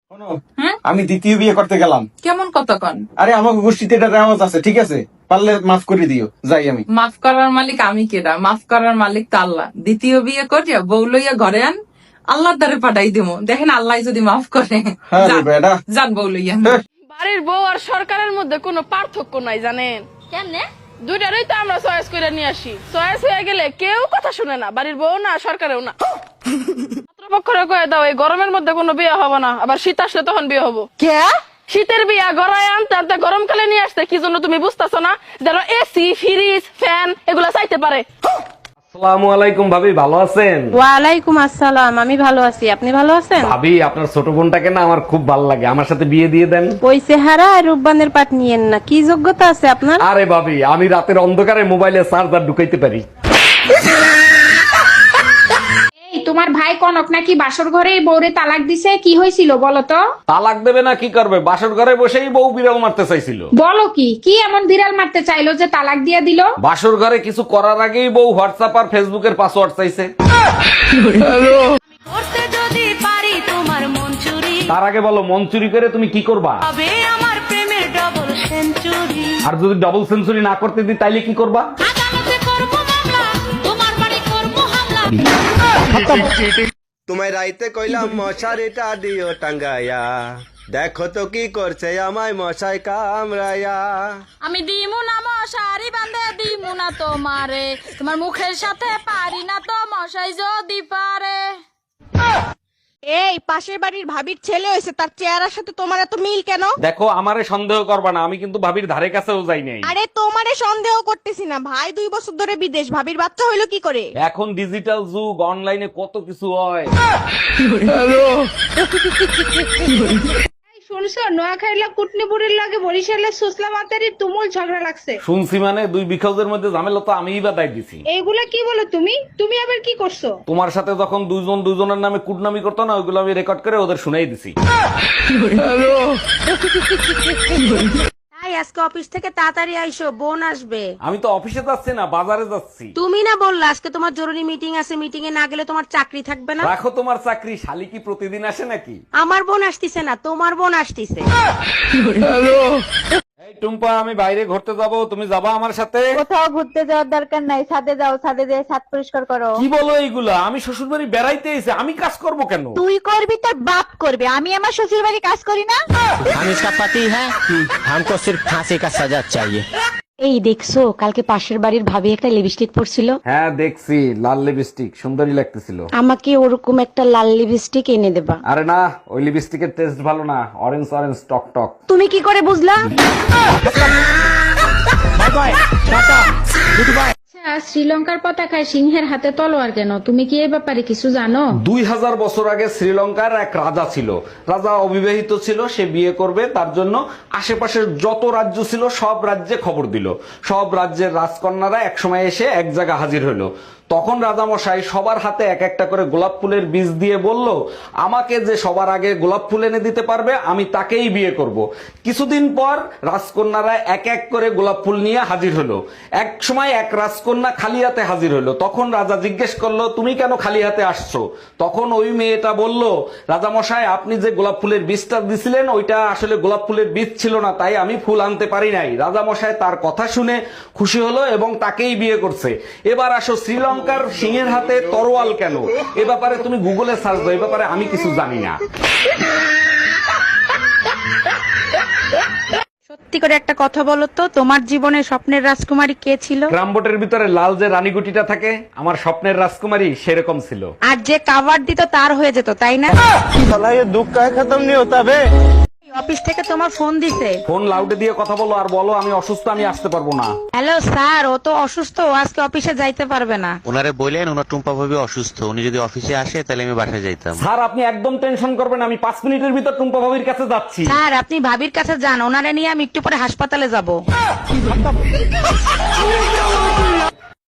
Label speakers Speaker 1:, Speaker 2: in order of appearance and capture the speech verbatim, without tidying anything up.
Speaker 1: শোনো,
Speaker 2: হ্যাঁ?
Speaker 1: আমি দ্বিতীয় বিয়ে করতে গেলাম।
Speaker 2: কেমন কতক্ষণ?
Speaker 1: আরে আমাকে গোষ্ঠীতে এটা রেওয়াজ আছে, ঠিক আছে? পারলে মাফ করে দিও, যাই আমি।
Speaker 2: মাফ করার মালিক আমি কেডা? মাফ করার মালিক তো আল্লাহ। দ্বিতীয় বিয়ে করিয়া বউ লইয়া ঘরে আন, আল্লাহর দ্বারে পাঠাই দিমু। দেখেন আল্লাহ যদি মাফ করে।
Speaker 1: হ্যাঁ রে
Speaker 2: যান,
Speaker 1: বেটা।
Speaker 2: যান বউ লইয়া।
Speaker 1: হ্যাঁ।
Speaker 3: বাড়ির বউ আর সরকারের মধ্যে কোনো পার্থক্য নাই জানেন?
Speaker 4: কেমনে?
Speaker 3: দুইটারই তো আমরা চয়েস করে নিয়ে আসি। চয়েস হয়ে গেলে কেউ কথা শুনে না, বাড়ির বউ না সরকারেও না। পাত্রপক্ষরে কয়ে দাও এই গরমের মধ্যে কোনো বিয়ে হবে না, আবার শীত আসলে তখন বিয়ে হবো।
Speaker 4: কে?
Speaker 3: শীতের বিয়া গড়ায় আনতে আনতে গরমকালে নিয়ে আসতে কি জন্য তুমি বুঝতেছো না? যেন এসি ফ্রিজ ফ্যান এগুলা চাইতে পারে।
Speaker 5: আসসালামু আলাইকুম ভাবি, ভালো আছেন?
Speaker 6: ওয়ালাইকুম আসসালাম, আমি ভালো আছি, আপনি ভালো আছেন?
Speaker 5: ভাবি আপনার ছোট বোনটাকে না আমার খুব ভালো লাগে, আমার সাথে বিয়ে দিয়ে দেন।
Speaker 6: ওই চেহারা আর রূপবানের পাট নিয়েন না, কি যোগ্যতা আছে আপনার?
Speaker 5: আরে ভাবি, আমি রাতের অন্ধকারে মোবাইলে চার্জার ঢুকাইতে পারি।
Speaker 7: এই তোমার ভাই কনক নাকি বাসর ঘরে বউরে তালাক দিছে, কি হয়েছিল বলো তো?
Speaker 5: তালাক দেবে না কি করবে, বাসর ঘরে বসেই বউ বিড়াল মারতে চাইছিল।
Speaker 7: বলো কি কি এমন বিড়াল মারতে চাইলো যে তালাক দিয়ে দিল?
Speaker 5: বাসর ঘরে কিছু করার আগেই বউ হোয়াটসঅ্যাপ আর ফেসবুকের পাসওয়ার্ড চাইছে।
Speaker 4: করতে যদি পারি তোমার মন চুরি,
Speaker 5: তার আগে বলো মন চুরি করে তুমি কি করবা,
Speaker 4: তবে আমার প্রেমের ডবল সেঞ্চুরি।
Speaker 5: আর যদি ডাবল সেঞ্চুরি না করতে দিই তাইলে কি করবা?
Speaker 4: আদালতে করবো মামলা, তোমার বাড়ি করবো হামলা।
Speaker 8: তোমায় রাইতে কইলাম মশারিটা দিও টাঙ্গাইয়া, দেখো তো কি করছে আমায় মশাই কামড়াইয়া।
Speaker 4: আমি দিমু না মশারি বান্ধে দিমু না তোমারে, তোমার মুখের সাথে পারি না তো মশাই যদি পারে।
Speaker 6: এই পাশের বাড়ির ভাবির ছেলে হয়েছে, তার চেহারার সাথে তোমার এত মিল কেন?
Speaker 5: দেখো আমারে সন্দেহ করবা না, আমি কিন্তু ভাবির ধারে কাছেও যাই নাই।
Speaker 6: আরে তোমারে সন্দেহ করতেছি না, ভাই দুই বছর ধরে বিদেশ, ভাবির বাচ্চা হইলো কি করে?
Speaker 5: এখন ডিজিটাল যুগ, অনলাইনে কত কিছু হয়।
Speaker 7: শুনছো নোয়াখাইলা কুটনিপুরের লাগে বরিশালের সুসলা মাতারির তুমুল ঝগড়া লাগছে।
Speaker 5: শুনছি মানে দুই বিখাউজের মধ্যে ঝামেলা তো আমিই বা দায় দিছি।
Speaker 7: এইগুলা কি বলো তুমি? তুমি আবার কি করছো?
Speaker 5: তোমার সাথে যখন দুইজন দুইজনের নামে কুটনামি করতো না, ওইগুলো আমি রেকর্ড করে ওদের শুনাই দিছি।
Speaker 6: তাই আজকে অফিস থেকে তাড়াতাড়ি আইসো, বোন আসবে।
Speaker 5: আমি তো অফিসে যাচ্ছি না, বাজারে যাচ্ছি।
Speaker 6: তুমি না বললা আজকে তোমার জরুরি মিটিং আছে, মিটিং এ না গেলে তোমার চাকরি থাকবে না?
Speaker 5: রাখো তোমার চাকরি, শালি কি প্রতিদিন আসে নাকি?
Speaker 6: আমার বোন আসতিছে না, তোমার বোন আসতিছে।
Speaker 5: এই টুম্পা, আমি বাইরে ঘুরতে যাব, তুমি যাবা আমার সাথে?
Speaker 9: কোথাও ঘুরতে যাওয়ার দরকার নাই, ছাদে যাও, ছাদে যেয়ে ছাদ পরিষ্কার করো।
Speaker 5: কি বলো এইগুলা? আমি শ্বশুর বাড়ি বেড়াইতে এসে আমি কাজ করব কেন?
Speaker 9: তুই করবি, তোর বাপ করবে, আমি আমার শ্বশুর বাড়ি কাজ করি না।
Speaker 10: हम इसका पति है, हमको सिर्फ फांसी का सजा चाहिए।
Speaker 6: এই দেখছো কালকে পাশের বাড়ির ভাবি একটা লিপস্টিক পরছিল,
Speaker 5: হ্যাঁ দেখছি, লাল লিপস্টিক সুন্দরী লাগতেছিল।
Speaker 6: আমাকে ওরকম একটা লাল লিপস্টিক এনে দেবা।
Speaker 5: আরে না, ওই লিপস্টিকের টেস্ট ভালো না, অরেঞ্জ অরেঞ্জ টক টক।
Speaker 6: তুমি কি করে বুঝলা?
Speaker 7: আচ্ছা, শ্রীলঙ্কার পতাকায় সিংহের হাতে তলোয়ার কেন? তুমি কি এই ব্যাপারে কিছু জানো?
Speaker 5: দুই হাজার বছর আগে শ্রীলঙ্কার এক রাজা ছিল। রাজা অবিবাহিত ছিল, সে বিয়ে করবে, তার জন্য আশেপাশের যত রাজ্য ছিল সব রাজ্যে খবর দিল। সব রাজ্যের রাজকন্যারা একসময় এসে এক জায়গা হাজির হলো। তখন রাজামশাই সবার হাতে এক একটা করে গোলাপ ফুলের বীজ দিয়ে বলল, আমাকে যে সবার আগে গোলাপ ফুল এনে দিতে পারবে আমি তাকেই বিয়ে করব। কিছুদিন পর রাজকন্যারা এক এক করে গোলাপ ফুল নিয়ে হাজির হলো। এক সময় এক রাজকন্যা খালি হাতে হাজির হলো। তখন রাজা জিজ্ঞেস করলো, তুমি কেন খালি হাতে আসছো? তখন ওই মেয়েটা বলল, রাজামশাই আপনি যে গোলাপ ফুলের বীজটা দিছিলেন ওইটা আসলে গোলাপ ফুলের বীজ ছিল না, তাই আমি ফুল আনতে পারি নাই। রাজামশাই তার কথা শুনে খুশি হলো এবং তাকেই বিয়ে করছে। এবার আসো, শ্রীলঙ্কা সিংহের হাতে তরোয়াল কেন? এ ব্যাপারে তুমি গুগলে সার্চ দাও, এ ব্যাপারে আমি কিছু জানি না।
Speaker 6: সত্যি করে একটা কথা বলো তো, তোমার জীবনে স্বপ্নের রাজকুমারী কে ছিল?
Speaker 5: গ্রামবোটের ভিতরে লাল যে রানীগুটিটা থাকে, আমার স্বপ্নের রাজকুমারী সেরকম ছিল।
Speaker 6: আর যে কাভার দিত তার হয়ে যেত, তাই না?
Speaker 8: সালা ये दुख का खत्म नहीं होता बे।
Speaker 6: অফিস থেকে তোমার ফোন দিছে।
Speaker 5: ফোন লাউডে দিয়ে কথা বলো আর বলো আমি অসুস্থ, আমি আসতে পারবো না।
Speaker 6: হ্যালো স্যার, ও তো অসুস্থ, ও আজকে অফিসে যাইতে পারবে না।
Speaker 10: ওনারে বললেন ওনার টুম্পা ভাবি অসুস্থ, উনি যদি অফিসে আসে তাহলে আমি বাসায় যাইতাম।
Speaker 5: স্যার আপনি একদম টেনশন করবেন, আমি পাঁচ মিনিটের ভিতর টুম্পা ভাবির কাছে যাচ্ছি।
Speaker 6: স্যার আপনি ভাবির কাছে যান, ওনারে নিয়ে আমি একটু পরে হাসপাতালে যাব।